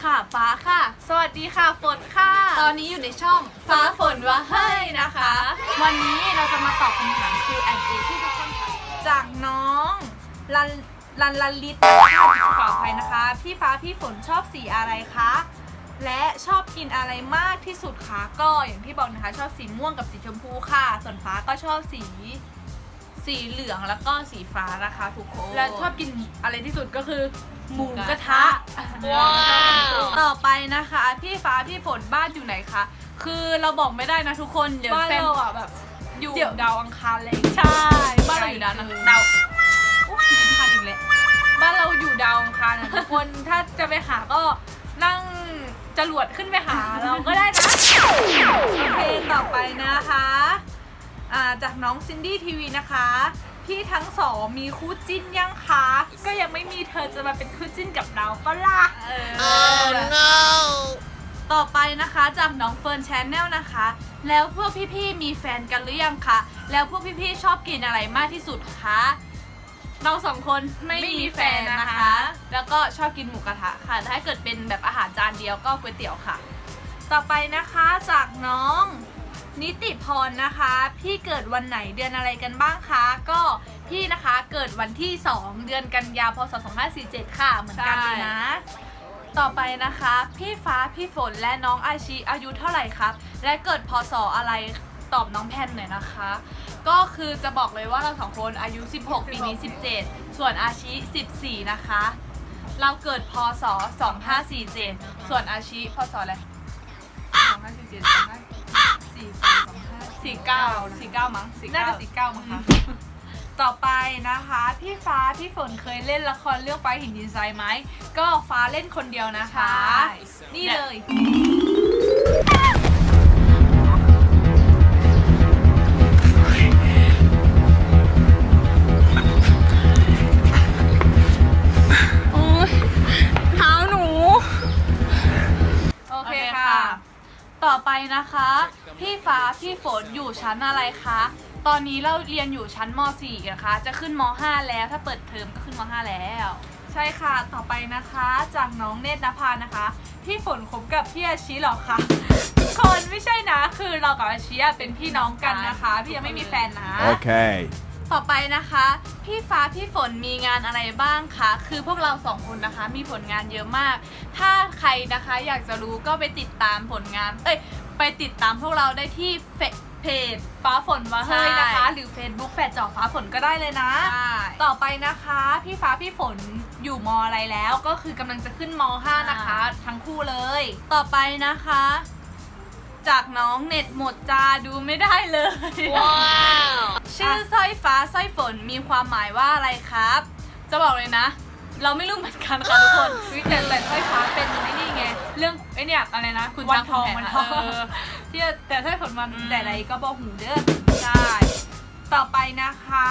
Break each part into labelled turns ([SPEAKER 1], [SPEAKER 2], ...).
[SPEAKER 1] ค่ะฟ้าค่ะ
[SPEAKER 2] สวัสดีค่ะฝนค่ะ
[SPEAKER 1] ตอนนี้อยู่ในช่อง
[SPEAKER 2] ฟ้าฝนว่าเฮ้ยนะคะ
[SPEAKER 1] วันนี้เราจะมาตอบคำถาม Q&A ที่ทุกคนถามจากน้องลันลิตขออภัยนะคะพี่ฟ้าพี่ฝนชอบสีอะไรคะและชอบกินอะไรมากที่สุดคะก็อย่างที่บอกนะคะชอบสีม่วงกับสีชมพูค่ะส่วนฟ้าก็ชอบสีเหลืองแล้วก็สีฟ้านะคะทุกคนและชอบกินอะไรที่สุดก็คือหมูกระทะว้าวต่อไปนะคะพี่ฟ้าพี่ฝนบ้านอยู่ไหนคะคือเราบอกไม่ได้นะทุกคนเดี๋ยวบ้านเราอ่ะแบบอยู่ดาวอังคารเลยใช่บ้านเราอยู่ดาวลิ้นพันอีกแล้วบ้านเราอยู่ดาวอังคารนะทุกคนถ้าจะไปหาก็นั่งจรวดขึ้นไปหาเราก็ได้นะโอเคต่อไปนะคะจากน้องซินดี้ทีวีนะคะพี่ทั้งสองมีคู่จิ้นยังคะก็ยังไม่มีเธอจะมาเป็นคู่จิ้นกับเราปะล่ะno ต่อไปนะคะจากน้องเฟิร์นแชนแนลนะคะแล้วพวกพี่ๆมีแฟนกันหรือยังคะแล้วพวกพี่ๆชอบกินอะไรมากที่สุดคะเราสองคนไม่มีแฟนนะคะแล้วก็ชอบกินหมูกระทะค่ะถ้าเกิดเป็นแบบอาหารจานเดียวก็ก๋วยเตี๋ยวค่ะต่อไปนะคะจากน้องนิติพรนะคะพี่เกิดวันไหนเดือนอะไรกันบ้างคะก็พี่นะคะเกิดวันที่2เดือนกันยาพศ2547ค่ะเหมือนกันเลยนะต่อไปนะคะพี่ฟ้าพี่ฝนและน้องอาชีอายุเท่าไหร่ครับและเกิดพศอะไรตอบน้องแพนหน่อยนะคะก็คือจะบอกเลยว่าเราสองคนอายุ16ปีนี้17ส่วนอาชี14นะคะเราเกิดพศ2547ส่วนอาชีพศอะไร2547 49มั้งน่าจะ49มั้งคะต่อไปนะคะพี่ฟ้าพี่ฝนเคยเล่นละครเรื่องไฟหินดินทรายไหมก็ฟ้าเล่นคนเดียวนะคะนี่เลยเท้าหนูโอเคค่ะต่อไปนะคะพี่ฟ้าพี่ฝนอยู่ชั้นอะไรคะตอนนี้เราเรียนอยู่ชั้นม.4 นะคะจะขึ้นม.5 แล้วถ้าเปิดเทอมก็ขึ้นม.5 แล้วใช่ค่ะต่อไปนะคะจากน้องเนตรนภานะคะพี่ฝนคบกับพี่อาชีหรอคะทุกคนไม่ใช่นะคือเรากับอาชีเป็นพี่น้องกันนะคะพี่ยังไม่มีแฟนนะโอเคต่อไปนะคะพี่ฟ้าพี่ฝนมีงานอะไรบ้างคะคือพวกเราสองคนนะคะมีผลงานเยอะมากถ้าใครนะคะอยากจะรู้ก็ไปติดตามผลงานไปติดตามพวกเราได้ที่เพจฟ้าฝนว่าเฮ้ยนะคะหรือ Facebook แฝดจ่อฟ้าฝนก็ได้เลยนะต่อไปนะคะพี่ฟ้าพี่ฝนอยู่ม.อะไรแล้วก็คือกำลังจะขึ้นม.5 นะคะทั้งคู่เลยต่อไปนะคะจากน้องเน็ตหมดจ้าดูไม่ได้เลยว้าวชื่อสร้อยฟ้าสร้อยฝนมีความหมายว่าอะไรครับจะบอกเลยนะเราไม่รู้เหมือนกันค่ะทุกคนแต่สร้อยฟ้าเป็นนี่ไงเรื่องเนี่ยอะไรนะคุณวันทองที่แต่สร้อยฝนมันแต่ไรก็บอกหูเด้อใช่ต่อไปนะคะ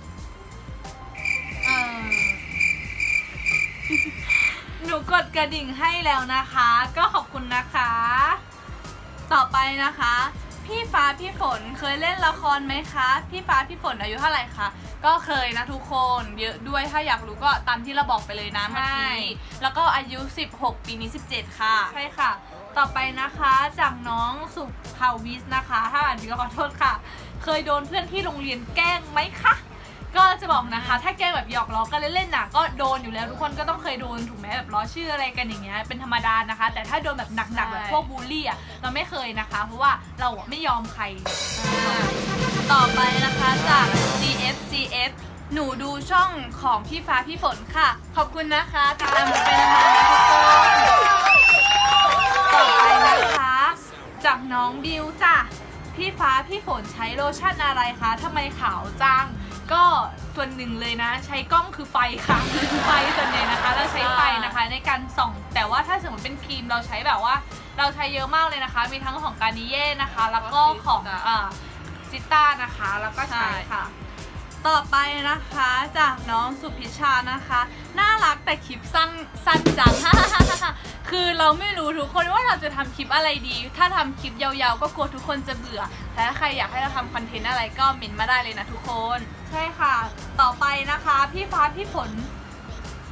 [SPEAKER 1] หนูกดกระดิ่งให้แล้วนะคะก็ขอบคุณนะคะต่อไปนะคะพี่ฟ้าพี่ฝนเคยเล่นละครไหมคะพี่ฟ้าพี่ฝนอายุเท่าไหร่คะก็เคยนะทุกคนเยอะด้วยถ้าอยากรู้ก็ตามที่เราบอกไปเลยนะเมื่อกี้แล้วก็อายุ16ปีนี้17ค่ะใช่ค่ะต่อไปนะคะจากน้องสุภาวิสนะคะถ้าอ่านผิดก็ขอโทษค่ะเคยโดนเพื่อนที่โรงเรียนแกล้งไหมคะก็จะบอกนะคะถ้าแกล้งแบบหยอกล้อกันเล่นๆน่ะก็โดนอยู่แล้วทุกคนก็ต้องเคยโดนถูกไหมแบบล้อชื่ออะไรกันอย่างเงี้ยเป็นธรรมดานะคะแต่ถ้าโดนแบบหนักๆแบบพวกบูลลี่อ่ะเราไม่เคยนะคะเพราะว่าเราไม่ยอมใครต่อไปนะคะจาก GF หนูดูช่องของพี่ฟ้าพี่ฝนค่ะขอบคุณนะคะติดตามหนูไปนานๆนะทุกคนต่อไปนะคะจากน้องบิวจ้ะพี่ฟ้าพี่ฝนใช้โลชั่นอะไรคะทำไมขาวจังก็ส่วนหนึ่งเลยนะใช้กล้องคือไฟค่ะไฟส่วนใหญ่นะคะเราใช้ไฟนะคะในการส่องแต่ว่าถ้าสมมติเป็นครีมเราใช้แบบว่าเราใช้เยอะมากเลยนะคะมีทั้งของการนิเย่นะคะแล้วก็ของซิต้านะคะแล้วก็ใช้ค่ะต่อไปนะคะจากน้องสุพิชานะคะน่ารักแต่คลิปสั้นจัง คือเราไม่รู้ทุกคนว่าเราจะทำคลิปอะไรดีถ้าทำคลิปยาวๆก็กลัวทุกคนจะเบื่อแต่ถ้าใครอยากให้เราทำคอนเทนต์อะไรก็เมนต์มาได้เลยนะทุกคนใช่ค่ะต่อไปนะคะพี่ฟ้าพี่ฝน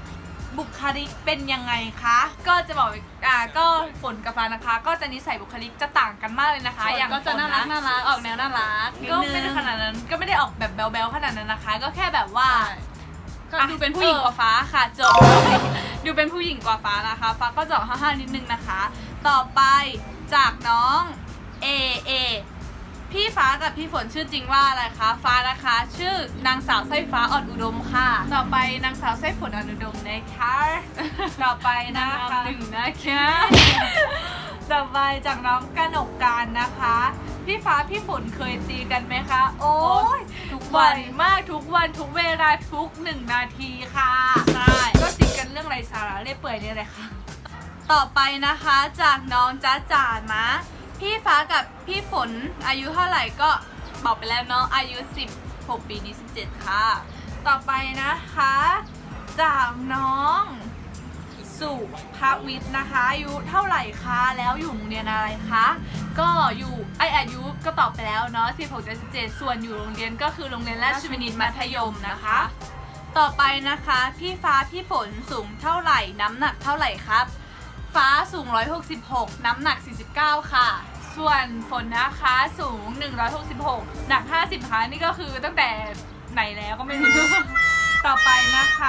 [SPEAKER 1] บุคลิกเป็นยังไงคะก็จะบอกก็ฝนกับฟ้านะคะก็จะนิสัยบุคลิกจะต่างกันมากเลยนะคะอย่าง
[SPEAKER 2] ก็จะน่ารักออกแนวน่ารัก
[SPEAKER 1] ก็ไม่ได้ขนาดนั้นก็ไม่ได้ออกแบบแบ๊วๆขนาดนั้นนะคะ ก็แค่แบบว่า
[SPEAKER 2] ก็ดูเป็นผู้หญิงกว่าฟ้าค่ะจบดูเป็นผู้หญิงกว่าฟ้านะคะฟ้าก็จะออกห้าวๆนิดนึงนะคะต่อไปจากน้องเอพี่ฟ้ากับพี่ฝนชื่อจริงว่าอะไรคะฟ้านะคะชื่อนางสาวสร้อยฟ้าอ่อนอุดมค่ะต่อไปนางสาวสร้อยฝนอ่อนอุดมนะคะต่อไปนะคะหนึ่งนะคะ
[SPEAKER 1] ต่อไปจากน้องกนกการนะคะพี่ฟ้าพี่ฝนเคยตีกันไหมคะโอ้ยทุกวันมากทุกวันทุกเวลาทุก1 นาทีค่ะใช่ก็ตีกันเรื่องไรสาระเล่อยเปื่อยนี่แหละค่ะต่อไปนะคะจากน้องจ๊ะจ๋านะพี่ฟ้ากับพี่ฝนอายุเท่าไหร่ก็บอกไปแล้วเนาะอายุ16 ปีนี้17ค่ะต่อไปนะคะจากน้องสุภวิทย์นะคะอายุเท่าไหร่คะแล้วอยู่โรงเรียนอะไรคะก็อยู่อายุก็ตอบไปแล้วเนาะ16-17ส่วนอยู่โรงเรียนก็คือโรงเรียนราชวินิตมัธยมนะคะต่อไปนะคะพี่ฟ้าพี่ฝนสูงเท่าไหร่น้ำหนักเท่าไหร่ครับฟ้าสูง166น้ำหนัก49ค่ะส่วนฝนนะคะสูง166หนัก50ค่ะนี่ก็คือตั้งแต่ไหนแล้วก็ไม่รู้ ต่อไปนะคะ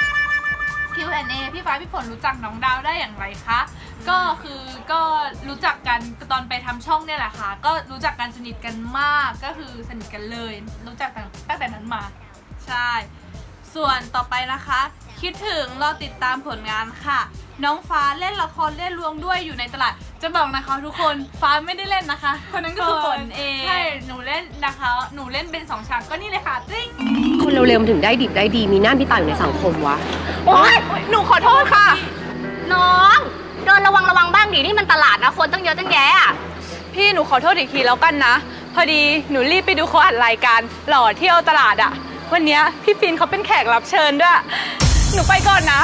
[SPEAKER 1] Q&A พี่ฟ้าพี่ฝนรู้จักน้องดาวได้อย่างไรคะก็รู้จักกันตอนไปทำช่องเนี่ยแหละค่ะก็รู้จักกันสนิทกันมากก็คือสนิทกันเลยรู้จักตั้งแต่นั้นมาใช่ส่วนต่อไปนะคะคิดถึงรอติดตามผลงานค่ะน้องฟ้าเล่นละครเล่นลวงด้วยอยู่ในตลาดจะบอกนะคะทุกคนฟ้าไม่ได้เล่นนะคะคนนั้นก็คือฝนเองใช่หนูเล่นนะคะหนูเล่นเป็น2 ฉากก็นี่เลยค่ะจริง
[SPEAKER 3] คนเร็วๆมันถึงได้ดิบได้ดีมีหน้ามีตาอยู่ในสังคมวะ
[SPEAKER 2] โอ๊ยหนูขอโทษค่ะ
[SPEAKER 3] น้องเดินระวังบ้างดินี่มันตลาดนะคนตั้งเยอะตั้งแยะอะ
[SPEAKER 2] พี่หนูขอโทษอีกทีแล้วกันนะพอดีหนูรีบไปดูเขาอัดรายการหล่อเที่ยวตลาดอะวันนี้พี่ฟินเขาเป็นแขกรับเชิญด้วยหนูไปก่อนนะ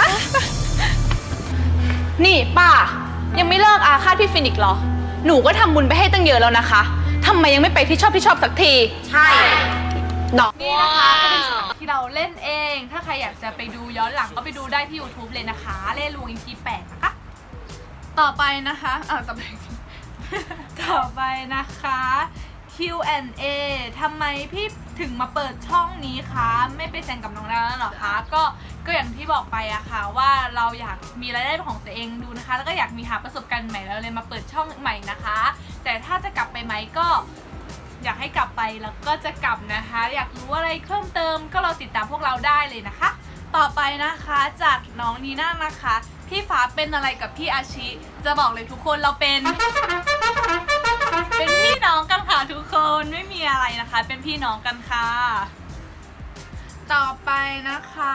[SPEAKER 2] นี่ป้ายังไม่เลิกอาฆาตพี่ฟินอีกเหรอหนูก็ทำบุญไปให้ตั้งเยอะแล้วนะคะทำไมยังไม่ไปที่ชอบสักที
[SPEAKER 3] ใช่
[SPEAKER 1] นี่นะคะก็เป็นฉากที่เราเล่นเองถ้าใครอยากจะไปดูย้อนหลังก็ไปดูได้ที่ YouTube เลยนะคะเล่นลวง EP 8นะคะต่อไปนะคะต่อไปนะคะ Q&A ทำไมพี่ถึงมาเปิดช่องนี้คะไม่ไปแซงกับน้องดาวแล้วหรอคะก็อย่างที่บอกไปอะค่ะว่าเราอยากมีรายได้ของตัวเองดูนะคะแล้วก็อยากมีหาประสบการณ์ใหม่แล้วเลยมาเปิดช่องใหม่นะคะแต่ถ้าจะกลับไปไหมก็อยากให้กลับไปแล้วก็จะกลับนะคะอยากรู้อะไรเพิ่มเติมก็เราติดตามพวกเราได้เลยนะคะต่อไปนะคะจากน้องนีน่านะคะพี่ฟ้าเป็นอะไรกับพี่อาชิจะบอกเลยทุกคนเราเป็นพี่น้องกันค่ะทุกคนไม่มีอะไรนะคะเป็นพี่น้องกันค่ะต่อไปนะคะ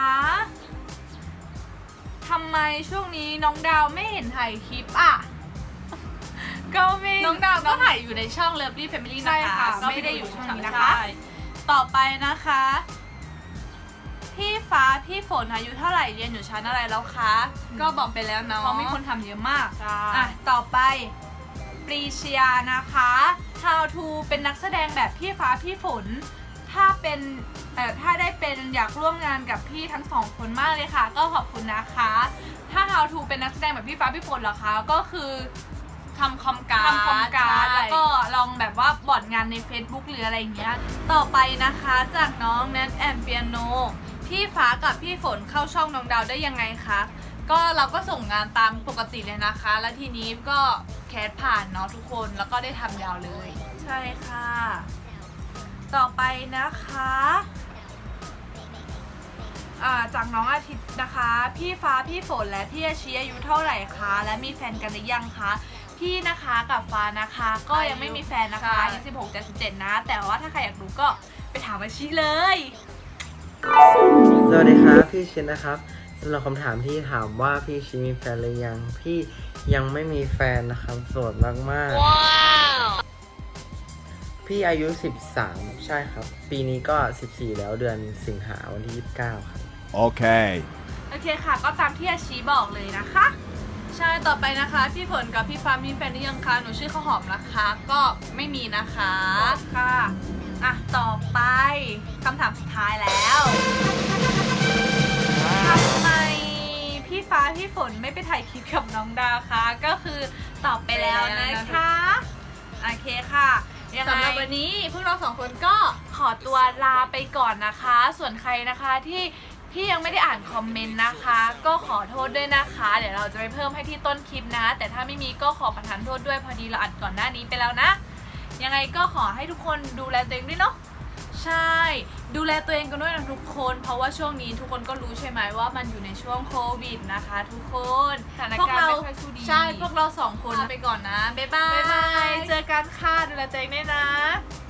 [SPEAKER 1] ทำไมช่วงนี้น้องดาวไม่เห็นถ่ายคลิปอ่ะก็ไม่น้องดาวก็ถ่ายอยู่ในช่อง Lovely Family นะคะก็ไม่ได้อยู่ช่องนี้นะคะต่อไปนะคะพี่ฟ้าพี่ฝนอายุเท่าไหร่เรียนอยู่ชั้นอะไรแล้วคะก็บอกไปแล้วเนาะเพราะมีคนทำเยอะมากต่อไปปรีเชียนะคะ How to เป็นนักแสดงแบบพี่ฟ้าพี่ฝนถ้าได้เป็นอยากร่วมงานกับพี่ทั้ง2 คนมากเลยค่ะก็ขอบคุณนะคะถ้า How to เป็นนักแสดงแบบพี่ฟ้าพี่ฝนเหรอคะก็คือทำคอมการ์ดแล้วก็ลองแบบว่าบอร์ดงานใน Facebook หรืออะไรอย่างเงี้ยต่อไปนะคะจากน้องแนทแอนเปียโนพี่ฟ้ากับพี่ฝนเข้าช่องน้องดาวได้ยังไงคะก็เราก็ส่งงานตามปกติเลยนะคะแล้วทีนี้ก็แคสผ่านเนาะทุกคนแล้วก็ได้ทำยาวเลยใช่ค่ะต่อไปนะคะจากน้องอาทิตย์นะคะพี่ฟ้าพี่ฝนและพี่อาชีอายุเท่าไหร่คะและมีแฟนกันหรือยังคะพี่นะคะกับฟ้านะคะก็ยังไม่มีแฟนนะคะอายุ16-17นะแต่ว่าถ้าใครอยากรู้ก็ไปถามอาชีเลย
[SPEAKER 4] สวัสดีครับพี่ชินนะครับสำหรับคำถามที่ถามว่าพี่ชินมีแฟนหรือยังพี่ยังไม่มีแฟนนะครับโสดมากๆพี่อายุ13ใช่ครับปีนี้ก็14แล้วเดือนสิงหาวันที่29ครับ
[SPEAKER 1] โอเคค่ะก็ตามที่อาชีบอกเลยนะคะใช่ต่อไปนะคะพี่ฝนกับพี่ฟ้ามีแฟนหรือยังคะหนูชื่อข้าวหอมนะคะก็ไม่มีนะคะค่ะต่อไปคำถามสุดท้ายแล้วทำไมพี่ฟ้าพี่ฝนไม่ไปถ่ายคลิปกับน้องดาวคะก็คือตอบไปแล้วนะคะโอเคค่ะยังไง
[SPEAKER 2] สำหรับวันนี้พวกเรา2 คนก็
[SPEAKER 1] ขอตัวลาไปก่อนนะคะ ส่วนใครนะคะที่ยังไม่ได้อ่านคอมเมนต์นะคะ ก็ขอโทษด้วยนะคะ เดี๋ยวเราจะไปเพิ่มให้ที่ต้นคลิปนะ แต่ถ้าไม่มีก็ขอประทานโทษด้วยพอดีเราอัดก่อนหน้านี้ไปแล้วนะ ยังไงก็ขอให้ทุกคนดูแลตัวเองด้วยเนาะใช่ดูแลตัวเองกันด้วยนะทุกคนเพราะว่าช่วงนี้ทุกคนก็รู้ใช่ไหมว่ามันอยู่ในช่วงโควิดนะคะ ทุกคนสถานการณ์ไม่ค่อยสู้ดีใช่พวกเรา2 คนลาไปก่อนนะบ๊ายบาย
[SPEAKER 2] บ๊ายบาย
[SPEAKER 1] เจอกันค่ะดูแลตัวเองด้วยนะ